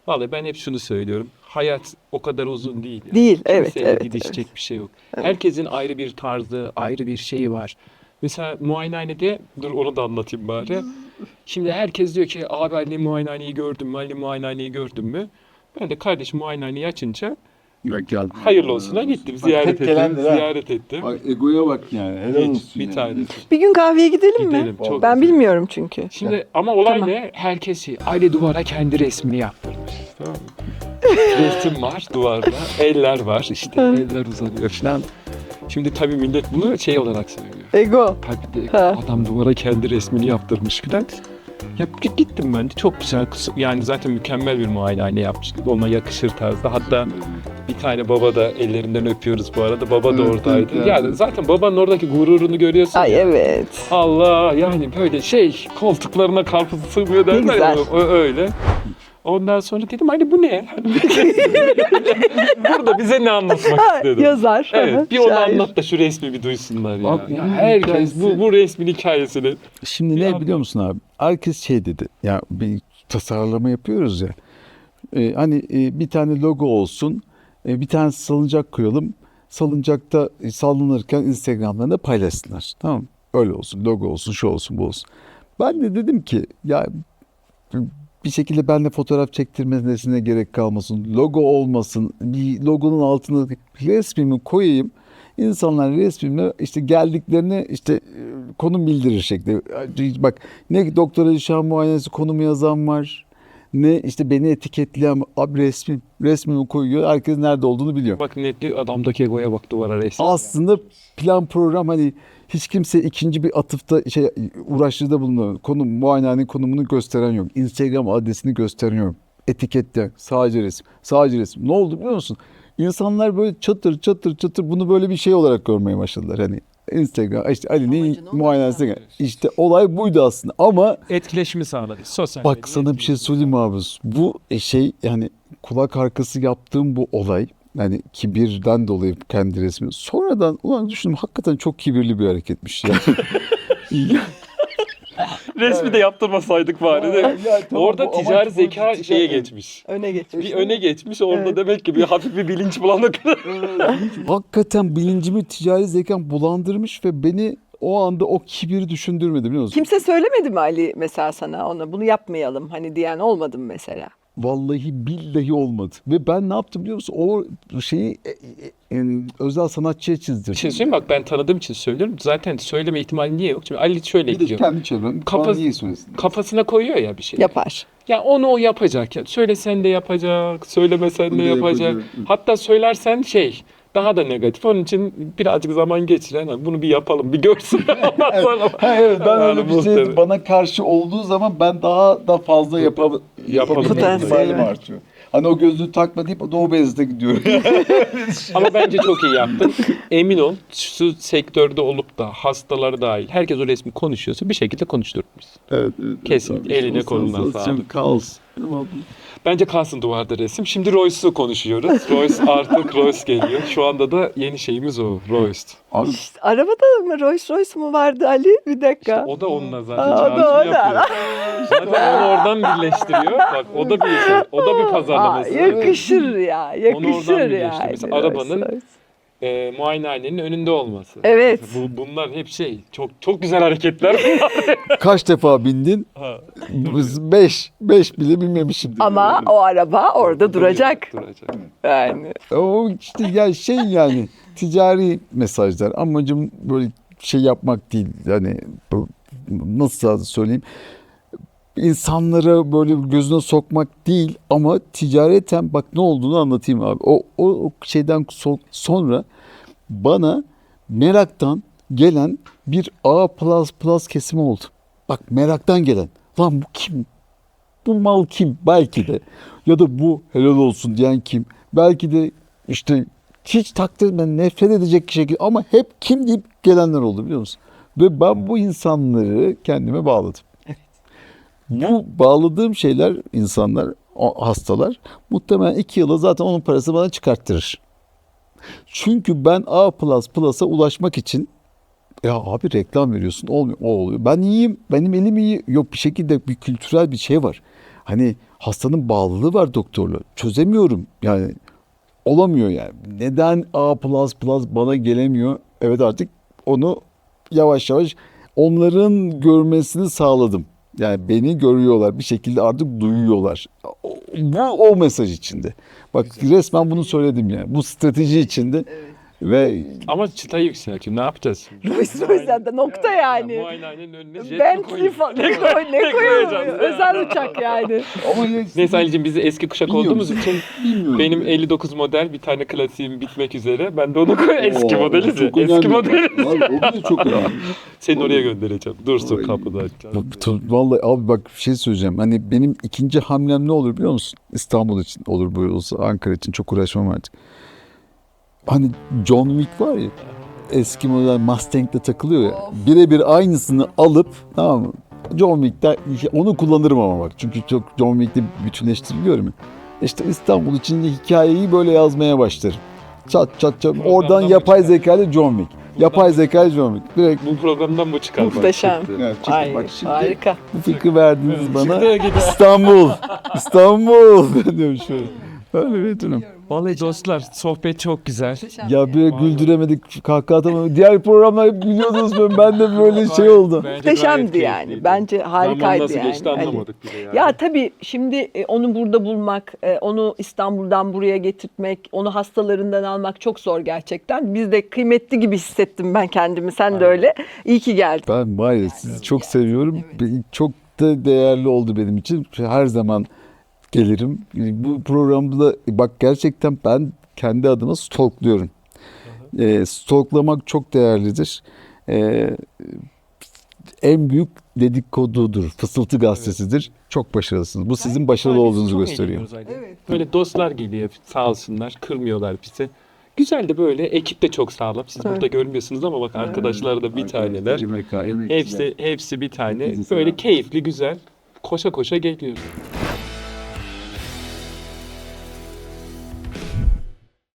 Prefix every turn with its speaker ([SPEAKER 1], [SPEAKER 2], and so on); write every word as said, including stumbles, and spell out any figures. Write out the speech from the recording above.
[SPEAKER 1] Vallahi ben hep şunu söylüyorum. Hayat o kadar uzun değil. Yani.
[SPEAKER 2] Değil, evet,
[SPEAKER 1] Kimseyle
[SPEAKER 2] evet,
[SPEAKER 1] didişecek
[SPEAKER 2] evet.
[SPEAKER 1] bir şey yok. Herkesin ayrı bir tarzı, ayrı bir şeyi var. Mesela muayenehanede, dur onu da anlatayım bari. Şimdi herkes diyor ki abi Ali muayenehaneyi gördün mü? Ali muayenehaneyi gördün mü? Ben de kardeşim muayenehaneyi açınca
[SPEAKER 3] Yok geldi.
[SPEAKER 1] hayırlı olsuna gittim.
[SPEAKER 3] Bak,
[SPEAKER 1] Ziyaret
[SPEAKER 3] hep
[SPEAKER 1] ettim.
[SPEAKER 3] gelendir ha.
[SPEAKER 1] Ziyaret ettim.
[SPEAKER 3] Bak egoya bak yani. Helal
[SPEAKER 1] Hiç,
[SPEAKER 3] olsun
[SPEAKER 1] bir
[SPEAKER 3] yani.
[SPEAKER 1] tanesi.
[SPEAKER 2] Bir gün kahveye gidelim mi?
[SPEAKER 1] Gidelim. Çok
[SPEAKER 2] Ben
[SPEAKER 1] güzel.
[SPEAKER 2] bilmiyorum çünkü.
[SPEAKER 1] Şimdi ama olay
[SPEAKER 2] Tamam.
[SPEAKER 1] ne? Herkes şey, aile duvara kendi resmini yaptırmış. Tamam mı? Resim var duvarda, eller var işte, eller uzanıyor falan. Şimdi tabii millet bunu şey olarak söylüyor.
[SPEAKER 2] Ego.
[SPEAKER 1] Tabii de
[SPEAKER 2] Ha.
[SPEAKER 1] adam duvara kendi resmini yaptırmış falan. Ya gittim ben de çok güzel, yani zaten mükemmel bir muayenehane yapmış. Ona yakışır tarzda. Hatta bir tane baba da ellerinden öpüyoruz bu arada. Baba da
[SPEAKER 3] Evet,
[SPEAKER 1] oradaydı.
[SPEAKER 3] evet,
[SPEAKER 1] Yani
[SPEAKER 3] evet.
[SPEAKER 1] zaten babanın oradaki gururunu görüyorsun.
[SPEAKER 2] Ay
[SPEAKER 1] ya.
[SPEAKER 2] evet.
[SPEAKER 1] Allah yani böyle şey koltuklarına karpuz sığmıyor derler
[SPEAKER 2] güzel.
[SPEAKER 1] ya, o- öyle. Ondan sonra dedim hani bu ne? Burada bize ne anlatmak
[SPEAKER 2] Ha,
[SPEAKER 1] istedi?
[SPEAKER 2] yazar.
[SPEAKER 1] Evet bir onu
[SPEAKER 2] Şair.
[SPEAKER 1] anlat da şu resmi bir duysunlar ya.
[SPEAKER 3] Bak,
[SPEAKER 1] Ya
[SPEAKER 3] bunun
[SPEAKER 1] herkes
[SPEAKER 3] hikayesi-
[SPEAKER 1] bu, bu resmin hikayesini.
[SPEAKER 3] Şimdi
[SPEAKER 1] Bir
[SPEAKER 3] ne
[SPEAKER 1] an-
[SPEAKER 3] biliyor musun abi? Herkes şey dedi. Ya bir tasarlama yapıyoruz ya. Ee, hani e, bir tane logo olsun. e, bir tane salıncak koyalım. Salıncakta e, sallanırken Instagram'dan da paylaşsınlar. Tamam mı? Öyle olsun. Logo olsun, şu olsun, bu olsun. Ben de dedim ki ya bir şekilde benimle fotoğraf çektirmesine gerek kalmasın. Logo olmasın. Bir logonun altına resmimi koyayım. İnsanlar resmimle işte geldiklerini işte e, konum bildirir şekli. Bak ne doktor Alişan muayenesi konumu yazan var. Ne işte beni etiketleyen abi resmim. Resmimi koyuyor. Herkes nerede olduğunu biliyor.
[SPEAKER 1] Bak netli adamdaki egoya bak duvara resmi.
[SPEAKER 3] Aslında plan program hani hiç kimse ikinci bir atıfta şey uğraştırıda bulunuyor. Konum muayenehanenin konumunu gösteren yok. Instagram adresini gösteren yok. Etikette sadece resim. Sadece resim. Ne oldu biliyor musun? İnsanlar böyle çatır çatır çatır bunu böyle bir şey olarak görmeye başladılar. Hani Instagram işte Ali'nin
[SPEAKER 1] Amacına
[SPEAKER 3] muayenesine.
[SPEAKER 1] ulaşmak.
[SPEAKER 3] İşte olay buydu aslında ama
[SPEAKER 1] Etkileşimi sağladı. Sosyal
[SPEAKER 3] bak
[SPEAKER 1] medya
[SPEAKER 3] sana bir şey
[SPEAKER 1] etkileşimi
[SPEAKER 3] söyleyeyim mi abi? Bu şey yani kulak arkası yaptığım bu olay yani kibirden dolayı kendi resmi. Sonradan ulan düşündüm hakikaten çok kibirli bir hareketmiş ya.
[SPEAKER 1] Resmi de yaptırmasaydık bari de.
[SPEAKER 3] Ya tamam,
[SPEAKER 1] Orada
[SPEAKER 3] bu amaç
[SPEAKER 1] ticari
[SPEAKER 3] bu,
[SPEAKER 1] zeka
[SPEAKER 3] ticari-
[SPEAKER 1] şeye geçmiş.
[SPEAKER 2] Öne geçmiş.
[SPEAKER 1] Bir öne geçmiş orada
[SPEAKER 2] Evet.
[SPEAKER 1] demek ki bir hafif bir bilinç bulanık.
[SPEAKER 3] Hakikaten bilincimi ticari zekam bulandırmış ve beni o anda o kibiri düşündürmedi biliyor musun?
[SPEAKER 2] Kimse söylemedi mi Ali mesela sana ona bunu yapmayalım hani diyen olmadı mı mesela?
[SPEAKER 3] Vallahi billahi olmadı. Ve ben ne yaptım biliyor musun? O şeyi e, e, e, özel sanatçıya çizdirdim.
[SPEAKER 1] Bir şey söyleyeyim mi? Bak ben tanıdığım için söylüyorum. Zaten söyleme ihtimali niye yok? Şimdi Ali şöyle
[SPEAKER 3] Bir de
[SPEAKER 1] diyor.
[SPEAKER 3] kendi çevrem
[SPEAKER 1] Kafa-
[SPEAKER 3] bana niye söylesin?
[SPEAKER 1] Kafasına koyuyor ya bir şey.
[SPEAKER 2] Yapar.
[SPEAKER 1] Ya onu o yapacak. Ya söylesen de yapacak, söylemesen de
[SPEAKER 3] Bunu da
[SPEAKER 1] yapacak.
[SPEAKER 3] yapacak.
[SPEAKER 1] Hatta söylersen şey daha da negatif. Onun için birazcık zaman geçiren "Hani bunu bir yapalım, bir görsün. Ondan sonra.
[SPEAKER 3] Ha, evet ben
[SPEAKER 1] Yani
[SPEAKER 3] öyle bir
[SPEAKER 1] muhtemelen.
[SPEAKER 3] şey bana karşı olduğu zaman ben daha da fazla yapab
[SPEAKER 1] Yapalım.
[SPEAKER 3] yapabilme
[SPEAKER 2] Potansiyeli
[SPEAKER 3] ihtimalim
[SPEAKER 2] var.
[SPEAKER 3] artıyor. Hani o gözlüğü takma deyip Doğu Beyazıt'a gidiyorum.
[SPEAKER 1] Ama bence çok iyi yaptın. Emin ol şu sektörde olup da hastaları dahil herkes o resmi konuşuyorsa bir şekilde konuşturmuşsun.
[SPEAKER 3] Evet, evet.
[SPEAKER 1] Kesinlikle. Eline koluna sağlık.
[SPEAKER 3] Kaos.
[SPEAKER 1] Bence kalsın duvarda resim. Şimdi Royce'u konuşuyoruz. Royce artık Royce geliyor. Şu anda da yeni şeyimiz o. Royce.
[SPEAKER 3] Abi
[SPEAKER 2] İşte arabada mı Rolls Royce mu vardı Ali? Bir dakika.
[SPEAKER 1] İşte o da onunla zaten
[SPEAKER 2] Aa, o da
[SPEAKER 1] çağrışım
[SPEAKER 2] o da.
[SPEAKER 1] yapıyor. Zaten onu oradan birleştiriyor. Bak o da bir şey. O da bir
[SPEAKER 2] Aa,
[SPEAKER 1] pazarlaması.
[SPEAKER 2] yakışır ya. Yakışır
[SPEAKER 1] oradan
[SPEAKER 2] ya.
[SPEAKER 1] birleştir. Mesela arabanın e, muayenehanenin önünde olması.
[SPEAKER 2] Evet.
[SPEAKER 1] Bu, bunlar hep şey. Çok çok güzel hareketler.
[SPEAKER 3] kaç defa bindin?
[SPEAKER 1] Ha,
[SPEAKER 3] Biz Beş. Beş bile binmemişim.
[SPEAKER 2] Ama o araba orada duracak.
[SPEAKER 1] Duracak.
[SPEAKER 2] Yani.
[SPEAKER 3] O işte ya şey yani ticari mesajlar. Amacım böyle şey yapmak değil. Yani bu, nasıl söyleyeyim? İnsanlara böyle gözüne sokmak değil ama ticareten bak ne olduğunu anlatayım abi. O, o, o şeyden so- sonra bana meraktan gelen bir A plus plus kesimi oldu. Bak meraktan gelen. Lan bu kim? Bu mal kim? Belki de. Ya da bu helal olsun diyen kim? Belki de işte hiç takdir etmeden nefret edecek şekilde ama hep kim deyip gelenler oldu biliyor musun? Ve ben bu insanları kendime bağladım. Bu bağladığım şeyler insanlar, o hastalar muhtemelen iki yıla zaten onun parası bana çıkarttırır. Çünkü ben A plus plus'a ulaşmak için ya abi reklam veriyorsun olmuyor o oluyor. Ben iyiyim benim elim iyi yok bir şekilde bir kültürel bir şey var. Hani hastanın bağlılığı var doktorla. Çözemiyorum yani. Olamıyor yani. Neden A plus plus bana gelemiyor? Evet, artık onu yavaş yavaş onların görmesini sağladım. Yani beni görüyorlar. Bir şekilde artık duyuyorlar. O- Bu o mesaj içinde. Bak, resmen bunu söyledim yani. Bu strateji içinde ve
[SPEAKER 1] Ama çıta yükseltiyor. Ne yapacağız şimdi?
[SPEAKER 2] Rolls Royce'den nokta yani.
[SPEAKER 1] Muayenehanenin önüne jet mi
[SPEAKER 2] Bentley
[SPEAKER 1] koyayım?
[SPEAKER 2] falan ne, koy, ne
[SPEAKER 1] Ne
[SPEAKER 2] koyuyor?
[SPEAKER 1] koyacağız?
[SPEAKER 2] Özel uçak yani.
[SPEAKER 3] ama
[SPEAKER 1] Neyse Ali'cim, biz de eski kuşak
[SPEAKER 3] Bilmiyorum.
[SPEAKER 1] olduğumuz için
[SPEAKER 3] bilmiyorum.
[SPEAKER 1] benim elli dokuz model bir tane klasiğim bitmek üzere. Ben de onu koy. Eski
[SPEAKER 3] Oo,
[SPEAKER 1] modeli.
[SPEAKER 3] çok
[SPEAKER 1] Eski
[SPEAKER 3] önemli.
[SPEAKER 1] modeli.
[SPEAKER 3] Vallahi o bile çok önemli.
[SPEAKER 1] Seni oraya göndereceğim. Dursun
[SPEAKER 3] Oy.
[SPEAKER 1] kapıda.
[SPEAKER 3] Bak, to- vallahi abi bak, bir şey söyleyeceğim. Hani benim ikinci hamlem ne olur biliyor musun? İstanbul için olur, bu olsa Ankara için çok uğraşmam artık. Hani John Wick var ya, eski model Mustang'de takılıyor ya. Birebir aynısını alıp, tamam mı? John Wick'te onu kullanırım ama bak. Çünkü çok John Wick'te bütünleştiriliyorum ya. İşte İstanbul için de hikayeyi böyle yazmaya başlarım. Çat çat çat.
[SPEAKER 1] Buradan
[SPEAKER 3] Oradan
[SPEAKER 1] da
[SPEAKER 3] yapay
[SPEAKER 1] mı çıkar?
[SPEAKER 3] zeka ile John Wick. Yapay zeka ile John Wick. Direkt
[SPEAKER 1] Bu programdan bu çıkar. bak,
[SPEAKER 2] Muhteşem.
[SPEAKER 1] çıktı.
[SPEAKER 3] yani çıktı.
[SPEAKER 2] Ay,
[SPEAKER 3] Bak şimdi
[SPEAKER 2] harika.
[SPEAKER 3] bu fikri verdiniz bana.
[SPEAKER 1] Çıktı gidiyor.
[SPEAKER 3] İstanbul. İstanbul. Ben diyorum şöyle. Öyle bir durum.
[SPEAKER 1] Vallahi dostlar, sohbet çok güzel.
[SPEAKER 3] Ya bir güldüremedik, kahkaha atamadık. Diğer programlar hep gülüyordunuz, ben, ben de böyle şey oldu.
[SPEAKER 1] Bence
[SPEAKER 2] Muhteşemdi
[SPEAKER 1] gayet
[SPEAKER 2] yani.
[SPEAKER 1] keyifliydi.
[SPEAKER 2] Bence
[SPEAKER 1] Zaman
[SPEAKER 2] harikaydı
[SPEAKER 1] nasıl
[SPEAKER 2] yani.
[SPEAKER 1] geçti
[SPEAKER 2] Hani-
[SPEAKER 1] anlamadık bile yani.
[SPEAKER 2] Ya tabii şimdi e, onu burada bulmak, e, onu İstanbul'dan buraya getirtmek, onu hastalarından almak çok zor gerçekten. Biz de kıymetli gibi hissettim ben kendimi. Sen de
[SPEAKER 1] Aynen.
[SPEAKER 2] öyle. İyi ki geldin.
[SPEAKER 3] Ben var ya, sizi çok seviyorum. Be- Çok da değerli oldu benim için. Her zaman gelirim. Bu programda da bak, gerçekten ben kendi adıma stalkluyorum. Ee, stalklamak çok değerlidir. Ee, en büyük dedikodudur. Fısıltı gazetesidir. Çok başarılısınız. Bu sizin başarılı
[SPEAKER 1] Biz
[SPEAKER 3] olduğunuzu
[SPEAKER 1] çok
[SPEAKER 3] gösteriyor.
[SPEAKER 1] eğleniyoruz Aydın. Böyle dostlar geliyor sağ olsunlar, kırmıyorlar bizi. Güzel de böyle, ekip de çok sağlam. Siz
[SPEAKER 2] Evet.
[SPEAKER 1] burada görmüyorsunuz ama bak, arkadaşlar da bir taneler. Hepsi hepsi bir tane. Böyle keyifli, güzel. Koşa koşa geliyoruz.